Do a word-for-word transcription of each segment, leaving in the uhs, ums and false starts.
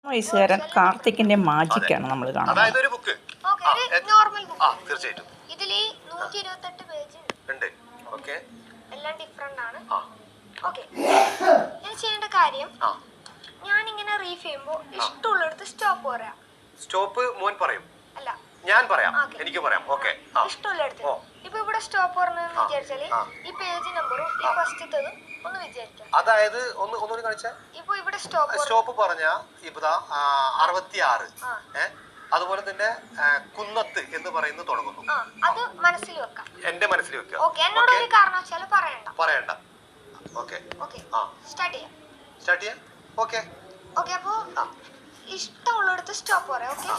വയസ്സുകാരൻ കാർത്തിക്കിന്റെ മാജിക്കാണ് നമ്മൾ കാണുന്നത്. അതായത് ഒരു ബുക്ക് നോർമൽ ബുക്ക്. ആ തീർച്ചയായിട്ടും ഇതിൽ നൂറ്റി ഇരുപത്തെട്ട് പേജ് ഉണ്ട്. ഓക്കെ, എല്ലാം ഡിഫറെന്റ് ആണ്. ആ ഓക്കെ, ഞാൻ ചെയ്യേണ്ട കാര്യം ആ ഞാൻ ഇങ്ങനെ റീഫ് ചെയ്യുമ്പോൾ ഇഷ്ടമുള്ളിടത്ത് സ്റ്റോപ്പ് പറയാം. സ്റ്റോപ്പ് മോൻ പറയും, അല്ല ഞാൻ പറയാം, എനിക്ക് പറയാം. ഓക്കെ, ഇഷ്ടമുള്ളിടത്ത്. ഇപ്പൊ ഇവിടെ സ്റ്റോപ്പ് പറഞ്ഞെന്ന് വിചാരിച്ചാല് ഈ പേജ് നമ്പറും ഈ ഫസ്റ്റത്തതും ഒന്ന് വിചാരിക്കാം. അതായത് ഒന്ന് ഒന്നുകൂടി കാണിച്ചാ. ഇപ്പൊ ഇവിടെ സ്റ്റോപ്പ് സ്റ്റോപ്പ് പറഞ്ഞ ഇപ്പതാ അറുപത്തി ആറ് ഏഹ് അതുപോലെ തന്നെ കുന്നത്ത് എന്ന് പറയുന്നത് തുടങ്ങുന്നു. അത് മനസ്സിൽ വെക്കാം, എന്റെ മനസ്സിൽ വെക്കുക. ഓക്കെ, എന്നോട് ഒരു കാരണവശാലും പറയണ്ട പറയണ്ട. ഓക്കെ ഓക്കെ, സ്റ്റാർട്ട് ചെയ്യാം. സ്റ്റാർട്ട് ചെയ്യാം. ഓക്കെ ഓക്കെ, അപ്പോ ഇഷ്ടമുള്ളിടത്ത് സ്റ്റോപ്പ് പറയാം. Okay,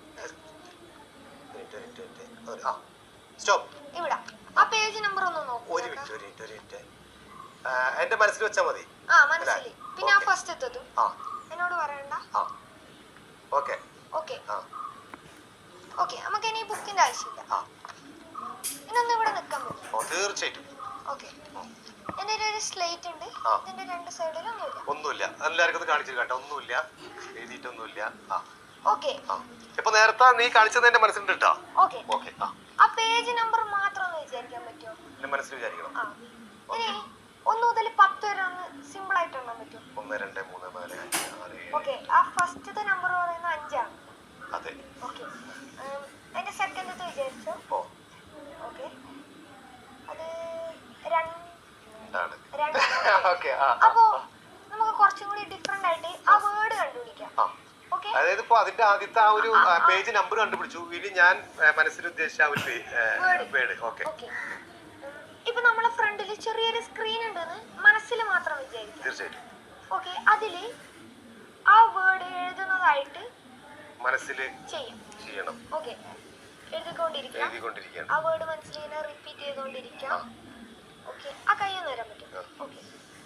stop. ഇവിടെ ആ പേജ് നമ്പർ ഒന്ന് നോക്കൂ. ഒരു മിനിറ്റ് ഒരു മിനിറ്റ് ഒരു മിനിറ്റ് എന്റെ മനസ്സിൽ വെച്ചാൽ മതി. ആ മനസ്സിൽ. പിന്നെ ആ ഫസ്റ്റ് എത്തതും എന്നോട് പറയണ്ട. ഓക്കെ ഓക്കെ ഓക്കെ, നമുക്ക് ഇനി ബുക്കിന്റെ ആവശ്യമില്ല. ഇനൊന്നും ഇവിടെ നിൽക്കാൻ പറ്റും. തീർച്ചയായിട്ടും. ഓക്കെ, എന്റെ ഒരു സ്ലേറ്റ് ഉണ്ട്. ഇതിന്റെ രണ്ട് സൈഡിലും ഒന്നുമില്ല. ഒന്നുമില്ല, എല്ലാവർക്കും കാണിച്ചു കേട്ടോ. ഒന്നുമില്ല, എഴുതിയിട്ടൊന്നുമില്ല. ഓക്കെ, ഇപ്പൊ നേരത്തെ നീ കാണിച്ചത് എന്റെ മനസ്സിലുണ്ട് കേട്ടോ. ഓക്കെ ഓക്കെ, ആ പേജ് നമ്പർ മാത്രം ഒന്ന് വിചാരിക്കാൻ പറ്റുമോ? എന്റെ മനസ്സിൽ വിചാരിക്കണം. ഇനി ഒന്ന് മുതൽ പത്ത് വരെ ഒന്ന് സിമ്പിൾ ആയിട്ട് എണ്ണാൻ പറ്റും. ഒന്ന് രണ്ട് മൂന്ന് നാല് അഞ്ച് ആറ്. ഓക്കെ, ആ ഫസ്റ്റത്തെ നമ്പർ പറയുന്നത് അഞ്ചാണ്. അതെ. ഓക്കെ, അതിന്റെ സെക്കൻഡത്തെ വിചാരിച്ചോ? ഓക്കെ, അത് രണ്ടാണ്. അപ്പോ നമുക്ക് കുറച്ചും കൂടി ഡിഫറെന്റ് ആയിട്ട് ആ വേർഡ് കണ്ടുപിടിക്കാം. ഓക്കെ, അതായത് ഇപ്പൊ അതിന്റെ ആദ്യത്തെ ആ ഒരു പേജ് നമ്പർ കണ്ടുപിടിച്ചു. ഇനി ഞാൻ മനസ്സിൽ ഉദ്ദേശിച്ച ആ ഒരു വേർഡ്. ഓക്കെ, ഇപ്പൊ നമ്മളെ ഫ്രണ്ടിൽ ചെറിയൊരു സ്ക്രീൻ ഉണ്ടെന്ന് മനസ്സിൽ മാത്രം വിചാരിക്കും. തീർച്ചയായിട്ടും. ഓക്കെ, അതില് ആ വേർഡ് എഴുതുന്നതായിട്ട് മനസ്സിൽ ചെയ്യണം. ഓക്കെ, എഴുതിക്കൊണ്ടിരിക്കാം. ആ വേർഡ് മനസ്സിൽ ഇങ്ങനെ റിപ്പീറ്റ് ചെയ്തുകൊണ്ടിരിക്കാം. ഓക്കെ, ആ കയ്യൊന്ന് വരാൻ പറ്റും. ഓക്കെ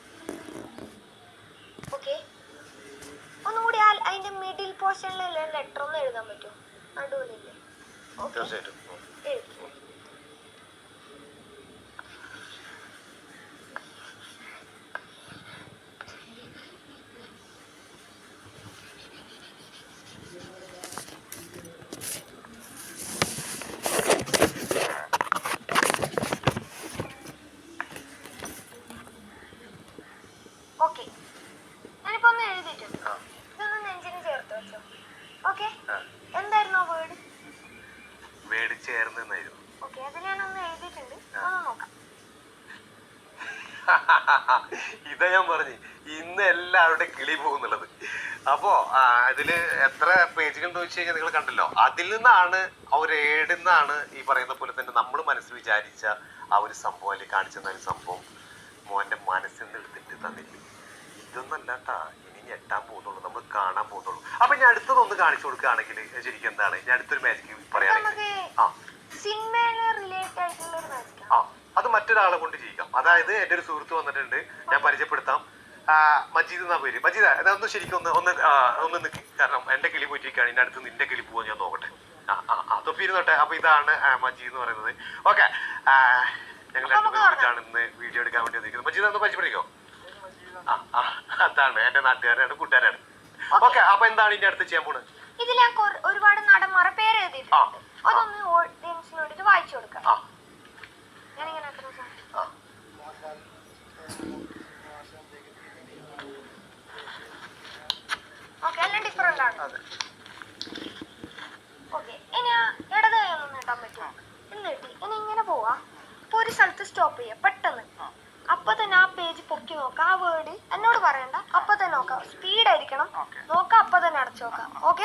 ഓക്കെ, ഒന്നുകൂടി ആ അതിന്റെ മിഡിൽ പോർഷനിലുള്ള ലെറ്റർ ഒന്ന് എഴുതാൻ പറ്റുമോ? നടുവിലില്ലേ? തീർച്ചയായിട്ടും. എഴുതി. ഓക്കെ, ഞാനിപ്പോ ഒന്ന് എഴുതിയിട്ടുണ്ട്. ഇതൊന്ന് നെഞ്ചിന് ചേർത്ത് വെച്ചോ. ഓക്കെ, എന്തായിരുന്നു ആ വേർഡ്? വേർഡ് ചേർന്നായിരുന്നു. ഓക്കെ, അത് ഞാനൊന്ന് എഴുതിയിട്ടുണ്ട്. ഒന്ന് നോക്കാം. ഇതാ ഞാൻ പറഞ്ഞു ഇന്ന് എല്ലാവരുടെ കിളി പോകുന്നുള്ളത്. അപ്പോ അതില് എത്ര പേജുകൾ എന്ന് വെച്ച് കഴിഞ്ഞാൽ നിങ്ങൾ കണ്ടല്ലോ. അതിൽ നിന്നാണ് ആ ഒരു ഏടുന്നാണ് ഈ പറയുന്ന പോലെ തന്നെ നമ്മൾ മനസ്സിൽ വിചാരിച്ച ആ ഒരു സംഭവം അല്ലെങ്കിൽ കാണിച്ചെന്ന ഒരു സംഭവം മോന്റെ മനസ്സിൽ നിന്ന് എടുത്തിട്ട് തന്നില്ല. ഇതൊന്നല്ലാട്ടാ ഇനി ഞെട്ടാൻ പോകുന്നുള്ളൂ, നമ്മൾ കാണാൻ പോകുന്നുള്ളൂ. അപ്പൊ ഞാൻ അടുത്തതൊന്ന് കാണിച്ചു കൊടുക്കുകയാണെങ്കിൽ ശരിക്കും എന്താണ് ഞാൻ അടുത്തൊരു മാജിക് പറയുകയാണെങ്കിൽ ആ അത് മറ്റൊരാളെ കൊണ്ട് ചെയ്യിക്കാം. അതായത് എന്റെ ഒരു സുഹൃത്ത് വന്നിട്ടുണ്ട്, ഞാൻ പരിചയപ്പെടുത്താം. മജീദ് എന്നാ പേര്. മജീദ അതൊന്ന് ശരിക്കും ഒന്ന് ഒന്ന് ഒന്ന് നിൽക്കി, കാരണം എന്റെ കിളി പോയിട്ടിരിക്കുകയാണ്. ഇതിന്റെ അടുത്ത് നിന്റെ കിളി പോവാൻ ഞാൻ നോക്കട്ടെ. ആ ആ ആ തൊപ്പിയിരുന്നോട്ടെ. അപ്പൊ ഇതാണ് മജീദ് എന്ന് പറയുന്നത്. ഓക്കെ, ഞങ്ങൾ രണ്ടുപേരാണ് ഇന്ന് വീഡിയോ എടുക്കാൻ വേണ്ടി വന്നിരിക്കുന്നത്. മജീദ് ഒന്ന് പരിചയപ്പെടുത്തിക്കോ. ആ ആ അതാണ് എന്റെ നാട്ടുകാരാണ്, കൂട്ടുകാരാണ്. ഓക്കെ, അപ്പൊ എന്താണ് ഇതിന്റെ അടുത്ത് ചെയ്യാൻ പോണത്? ഇതിൽ ഞാൻ ഒരുപാട് നടന്മാരെ പേര് എഴുതിയിട്ടുണ്ട്. അതൊന്ന് ഓഡിയൻസിനോട് വായിച്ചു കൊടുക്കാം. ഞാനിങ്ങനെ ഓക്കെ, എല്ലാം ഡിഫറെന്റ് ആണ്. ഓക്കെ, ഇനി ഇടത് കൈ ഒന്നും നീട്ടാൻ പറ്റുമോ? ഇന്ന് കിട്ടി. ഇനി ഇങ്ങനെ പോവാ. ഇപ്പൊ ഒരു സ്ഥലത്ത് സ്റ്റോപ്പ് ചെയ്യാം പെട്ടെന്ന്. അപ്പൊ തന്നെ ആ പേജ് പൊക്കി നോക്കാം. ആ വേർഡ് എന്നോട് പറയണ്ട, അപ്പൊ തന്നെ നോക്കാം. സ്പീഡ് ആയിരിക്കണം. നോക്കാം, അപ്പൊ തന്നെ അടച്ചു നോക്കാം. ഓക്കെ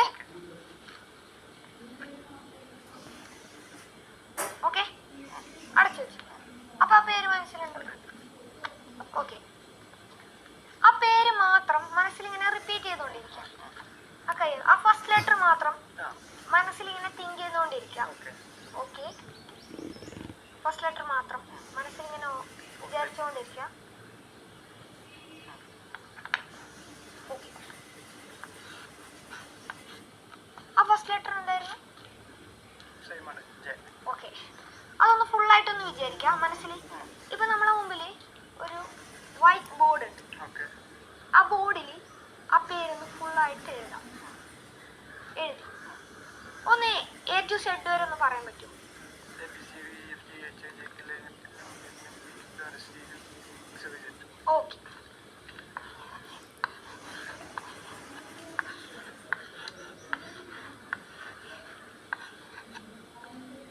ഓക്കെ, അടച്ചു വെച്ചു. അപ്പൊ ആ പേര് മനസ്സിലുണ്ട്. ഓക്കെ, ആ പേര് മാത്രം മനസ്സിലിങ്ങനെ റിപ്പീറ്റ് ചെയ്തോണ്ടിരിക്കാം. ആ കൈ ആ ഫസ്റ്റ് ലെറ്റർ മാത്രം മനസ്സിലിങ്ങനെ തിങ്ക് ചെയ്തുകൊണ്ടിരിക്കാം. ഓക്കെ, ഫസ്റ്റ് ലെറ്റർ മാത്രം മനസ്സിലിങ്ങനെ വിചാരിച്ചുകൊണ്ടിരിക്കാം. ആ ഫസ്റ്റ് ലെറ്റർ എന്തായിരുന്നു? ഓക്കെ, അതൊന്ന് ഫുള്ളായിട്ടൊന്ന് വിചാരിക്കാം മനസ്സിൽ. ഇപ്പൊ നമ്മളെ മുമ്പില് ഒരു വൈറ്റ് ബോർഡ് ഉണ്ട്. ആ ബോർഡിൽ ആ പേരൊന്ന് ഫുള്ളായിട്ട് എഴുതാം. എഴുതി. ഒന്ന് എ ടു സെഡ് വരെ ഒന്ന് പറയാൻ പറ്റുമോ? ഓക്കെ.